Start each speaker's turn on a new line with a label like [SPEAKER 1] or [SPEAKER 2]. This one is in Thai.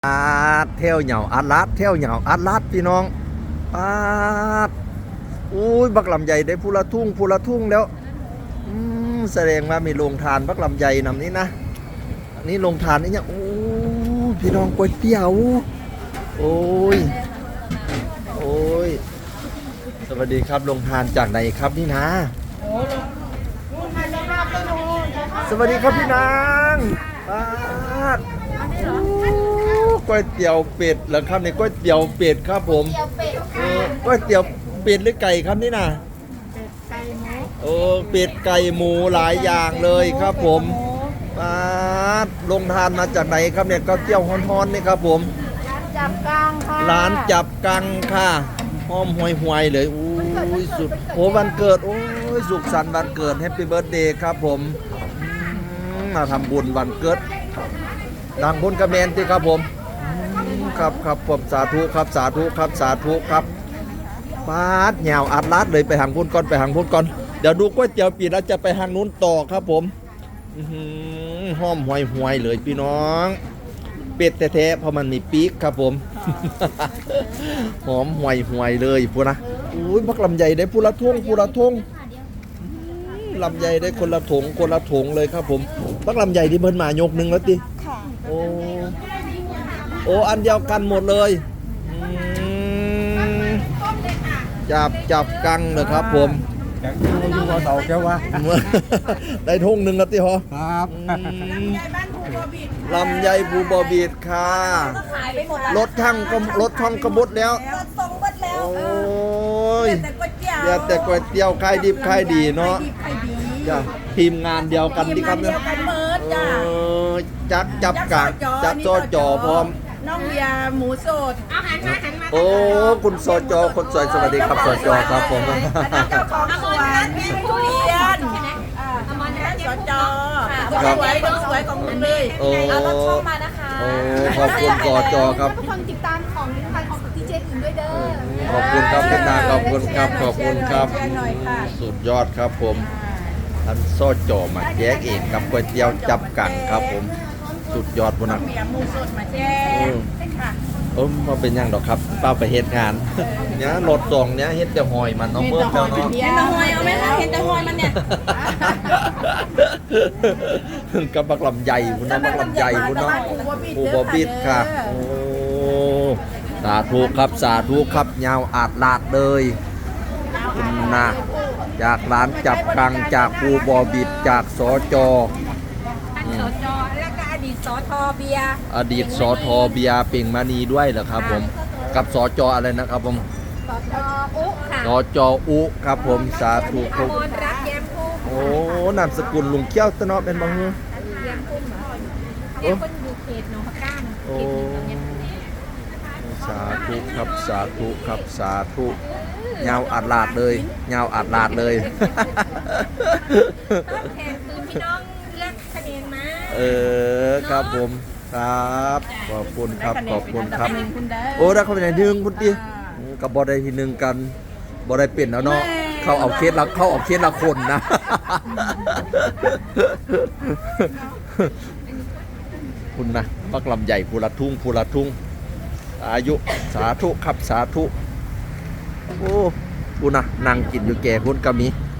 [SPEAKER 1] เที่ยวเหยาอัดลัดเที่ยวเหยาอัดลัดพี่น้องปาดอุ้ยบักลำใหญ่ได้พูละทุ่งแล้วแสดงว่ามีโรงทานบักลำใหญ่นำนี้นะนี่โรงทานนี่เนี่ยโอ้พี่น้องก๋วยเตี๋ยวโอ้ยสวัสดีครับโรงทานจากไหนครับนี่นะสวัสดีครับพี่นางปาดก๋วยเตี๋ยวเป็ดเหรอครับในก๋วยเตี๋ยวเป็ดครับผมก๋วยเตี๋ยวเป็ดหรือไก่ครับนี่นะเป็ดไก่หมูหลายอย่างเลยครับผมลงทานมาจากไหนครับเนี่ยก๋วยเตี๋ยวฮ้อนๆนี่ครับผม
[SPEAKER 2] จับกังค่ะ
[SPEAKER 1] ร้านจับกังค่ะหอมห่วยๆเลยอุ้ยสุดวันเกิดโอ้ยสุขสันต์วันเกิดแฮปปี้เบิร์ธเดย์ครับผมมาทำบุญวันเกิดดังบุญกระเมนที่ครับผมครับผมสาธุครับปาดเหงาอัดลัดเลยไปหางพุ่นก่อนเดี๋ยวดูก๋วยเตี๋ยวปีแล้วจะไปหางนู้นต่อครับผมหอมห่วยเลยพี่น้องเป็ดแท้ๆเพราะมันมีปีกครับผมหอมห่วยเลยพูดนะอุ้ยพักลำใหญ่ได้พูละทงลำใหญ่ได้คนละถงเลยครับผมพักลำใหญ่ที่เพิ่นมายกหนึ่งแล้วติโอ้อันเดียวกันหมดเลยจับกังเลยครับผม
[SPEAKER 3] อยู่ว่าเต่าแก้วว่า
[SPEAKER 1] ได้ทงหนึ่งแล้วติฮะ
[SPEAKER 3] ครับ
[SPEAKER 1] ลำไยภูบอบีดค่ะรถช่องกระบุดแล้วโอ้ยแต่ก๋วยเตี๋ยวขายดิบขายดีเนาะจ้ะทีมงานเดียวกันที่ครับเนี่ยจับกังจับโจจ่อพร้อม
[SPEAKER 2] น้องเบียร์หมูสดหันมา
[SPEAKER 1] โอ้คุณสจคนสวยสวัสดีครับสจครับผม
[SPEAKER 2] เจ้าของสวนทุเรียนสจสวยของคุณเลย
[SPEAKER 1] เอารถช่องมานะคะขอบคุณสจครับ
[SPEAKER 2] ทุกคนติดตามของดีเจอื่นด้วยเด้อ
[SPEAKER 1] ขอบคุณครับพี่นาขอบคุณครับสุดยอดครับผมท่านสจมาแจกเองครับก๋วยเตี๋ยวจับกังครับผมสุดยอดบุญนัก
[SPEAKER 2] หมูสดมาแจ้ง
[SPEAKER 1] มาเป็นยังดอกครับป้าไปเฮ็ดงานเนี่ยรถส่งเนี่ยเฮ็ดแต่หอยมันเนาะเมื่อแล้วเนาะ
[SPEAKER 2] เห็นแต่หอยเอาไหมคะเห็นแต่หอยมันเนี่ย
[SPEAKER 1] กับบักลำใหญ่บุญนะบักลำใหญ่บุญเนาะปูบอบิดค่ะโอ้สาธุครับยาวอาดลาดเลยคุณนะจากร้านจับกังจากปูบอบิดจากสจ
[SPEAKER 2] แล้วก็อดีตสทเบียร์
[SPEAKER 1] เป่งมานีด้วยเหรอครับผมกับสจอะไรนะครับผม
[SPEAKER 2] สจอุค่ะ
[SPEAKER 1] สจอุครับผมสาธุครับ
[SPEAKER 2] รักแย้มพุ่ม
[SPEAKER 1] โอ้นามสกุลลุงเกี้ยวตะเนาะเป็นบางมือ
[SPEAKER 2] แย้มพุ่มเหรอเนี่ยคนอยู่เขตหนองพะก้ามเขตหนึ่งตรงนี้
[SPEAKER 1] สาธุยาวอัดลาดเลย
[SPEAKER 2] ต้องแทนคืนพี่น้องเลือกคะแนนมา
[SPEAKER 1] ครับผมครับขอบคุณครับโอ้ได้เข้าไปในหนึ่งคุณตีกับบอได้ทีหนึ่งกันบอได้เปลี่ยนแล้วเนาะเข้าเอาเคสละคนนะคุณนะปักลำใหญ่ภูละทุ่งอายุสาธุโอ้คุณนะนั่งกินอยู่แก่คุณกะมี